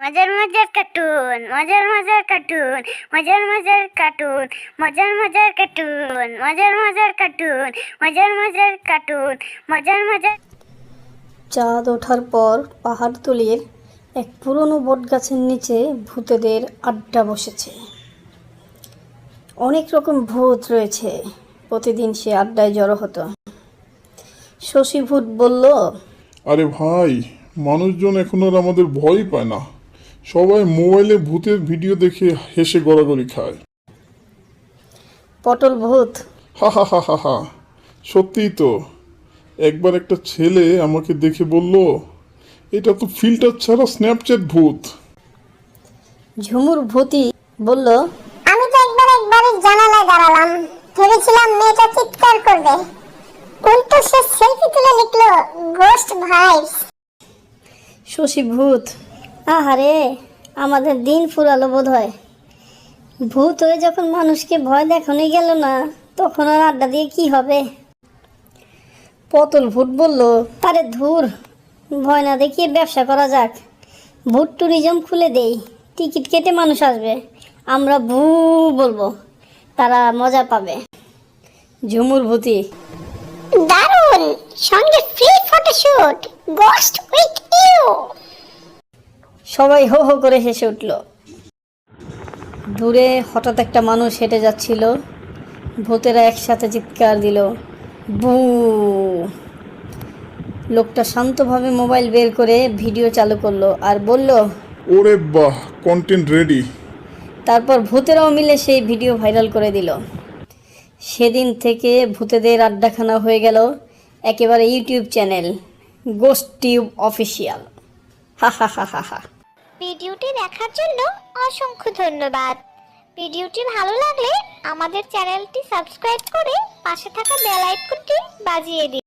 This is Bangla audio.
মজার মজার কার্টুন, মজার মজার কার্টুন, মজার মজার কার্টুন, মজার মজার কার্টুন, মজার মজার কার্টুন, মজার মজার কার্টুন, মজার মজার। চাঁদ ওঠার পর পাহাড়তলির এক পুরনো বটগাছের নিচে ভূতেদের আড্ডা বসেছে। অনেক রকম ভূত রয়েছে। প্রতিদিন সে আড্ডায় জড়ো হতো। শশী ভূত বলল, আরে ভাই, মানুষজন এখন আর আমাদের ভয় পায় না। সবাই মোবাইলে ভূতের ভিডিও দেখে হেসে গড়াগড়ি খায়। পটল ভূত, হা হা হা হা হা, সত্যিই তো। একবার একটা ছেলে আমাকে দেখে বলল, এটা তো ফিল্টার ছাড়া স্ন্যাপচ্যাট ভূত। ঝুমুর ভূতি বলল, আমি তো একবারে জানালায় দাঁড়ালাম, ভেবেছিলাম মেয়েটা চিৎকার করবে, উল্টো সে সেলফি তুলে লিখলো গোস্ট ভাইবস। শশী ভূত, আহারে আমাদের দিন ফুরালো বোধ হয়। ভূত হয়ে যখন মানুষকে ভয় দেখানোই গেল না, তখন আর আড্ডা দিয়ে কি হবে। পটল ভূত বলল, আরে ধুর, ভয় না দেখিয়ে ব্যবসা করা যাক। ভূত ট্যুরিজম খুলে দেই, টিকিট কেটে মানুষ আসবে, আমরা ভূ বলবো, তারা মজা পাবে। ঝুমুর ভূতি, দারুণ, সঙ্গে free photoshoot, ghost with you. সবাই হো হো করে হেসে উঠল। দূরে হঠাৎ একটা মানুষ হেঁটে যাচ্ছিল। ভূতেরা একসাথে চিৎকার দিল, বু। লোকটা শান্তভাবে মোবাইল বের করে ভিডিও চালু করলো আর বলল, ওরে বাহ, কন্টেন্ট রেডি। তারপর ভূতেরাও মিলে সেই ভিডিও ভাইরাল করে দিল। সেদিন থেকে ভূতেদের আড্ডাখানা হয়ে গেল একেবারে YouTube channel, ghost tube official. হা হা হা হা হা। ভিডিওটি দেখার জন্য অসংখ্য ধন্যবাদ। ভিডিওটি ভালো লাগলে আমাদের চ্যানেলটি সাবস্ক্রাইব করে পাশে থাকা বেল আইকনটি বাজিয়ে দিন।